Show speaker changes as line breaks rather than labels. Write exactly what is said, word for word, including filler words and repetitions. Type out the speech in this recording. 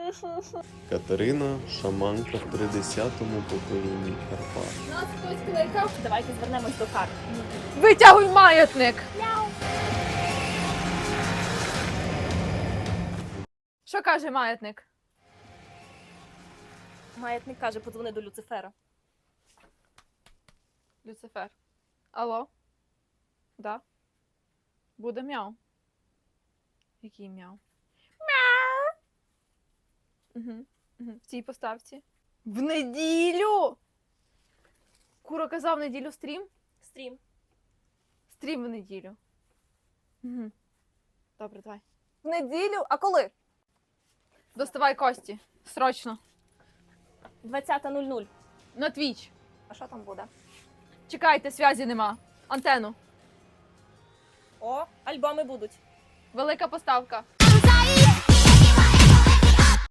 Катерина – шаманка в тридцятому поколінні Карпат.
Нас хтось кликав. Давайте звернемось до карт.
Витягуй маятник! Що каже маятник?
Маятник каже, подзвони до Люцифера.
Люцифер. Алло? Да? Буде мяу. Який мяу? Мяу! Угу. Угу. В цій поставці. В неділю! Кура казав в неділю стрім?
Стрім.
Стрім в неділю. Угу. Добре, давай.
В неділю? А коли?
Доставай кості. Срочно.
двадцята нуль нуль.
На твіч.
А що там буде?
Чекайте, зв'язі нема. Антенну.
О, альбоми будуть.
Велика поставка.